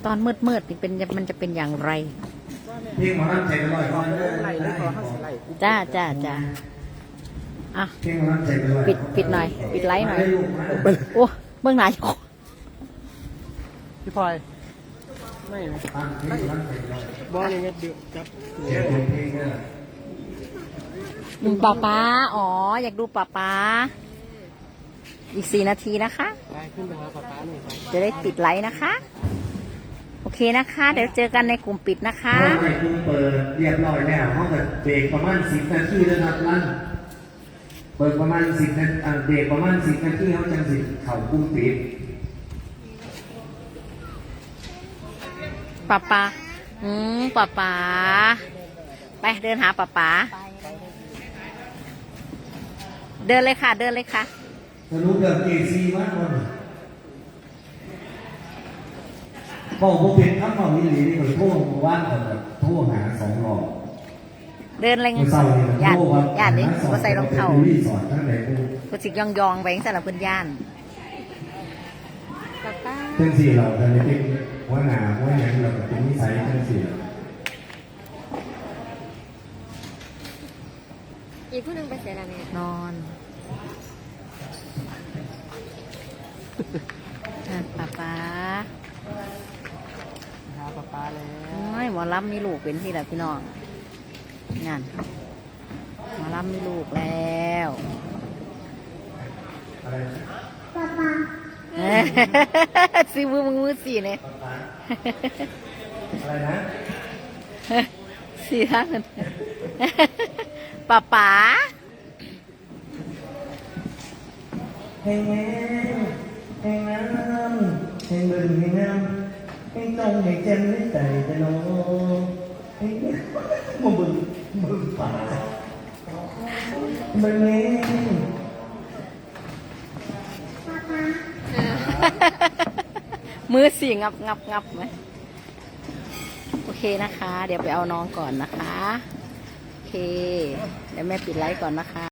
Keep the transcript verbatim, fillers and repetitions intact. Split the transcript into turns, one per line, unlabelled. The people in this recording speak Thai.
ตอนมืดมืดนี่เป็นมันจะเป็นอย่างไร
พี่หมอรับใจไปลอยก่อนเด้อ
ไล่เลยขอห้าสิบไล่
จ้าจ้าจ้าอ่ะ
พี่หมอรับใจไปลอย
ปิดปิดหน่อย ปิดไลท์หน่อยโอ้เบื้องหน้า
พี่พลอยไม่นะ
ตั้งพี่รับใจไปลอย
บอลยังไงดือจับ
เจ็บเพลงเด้อ
ดูป้าป้าอ๋ออยากดูป้าป้าอีกสี่นาทีนะคะ
ไปขึ้นไปหาป๊าป๊าหน่อยไป
จะได้ปิดไลท์นะคะ โอเคนะคะ เดี๋ยวเจอกันในกลุ่มปิดนะคะ
ห้องไปคุณเปิดเรียบร้อยแล้วห้องกับเบรกประมาณสิบนาทีแล้วครับลั่นเปิดประมาณสิบนาทีเบรกประมาณสิบนาทีเขาจังสิเข่ากุ้งปิด
ป้าป้าอืมป้าป้าไปเดินหาป้าป้าเดินเลยค่ะ เดินเลยค่ะ
สรุปเดิมเอซีมากเลยบอกผมเป็นข้าวหอมมิลลีนี่ผมโทษว่านคนแบบโทษหาสองหลอก
เดินเลย
เศร้าเนี่ย
ย่าน
โทษว่า
ย่านนี้ก็ใส่รองเท้า
รีสอร์ททั้งไหนกู
ก็สิยองยองๆไปสำหรับเพื่อนย่านป้าป้า
เช่นสี่เราแต่ในที่หัวหน้าหัวหน้าเราเป็นนิสัยเช่นสี่
อีกผู้หนึงไปเสียแล้วแม่
นอนอ่ะป้าป้า
หาป๊าป๊าแล้ว
โอ้ยหมอลำมีลูกเป็นที่ละพี่น้องงานหมอลำมีลูกแล้ว
อะไรนะ
ซื้อมือมึงมือสี่เนี่ย
อะไรนะ
สี่ห้าเงินป้าป๋า
เพลงแม่เพลงน้ำเพลงบึงเพลงน้ำเพลงตรงเพลงเจมไม่ใจแต่น้องเพลงมันบึงบึงป่าบึงนี้
มือสี่งับงับงับไหมโอเคนะคะ เดี๋ยวไปเอาน้องก่อนนะคะ โอเค เดี๋ยวแม่ปิดไลฟ์ก่อนนะคะ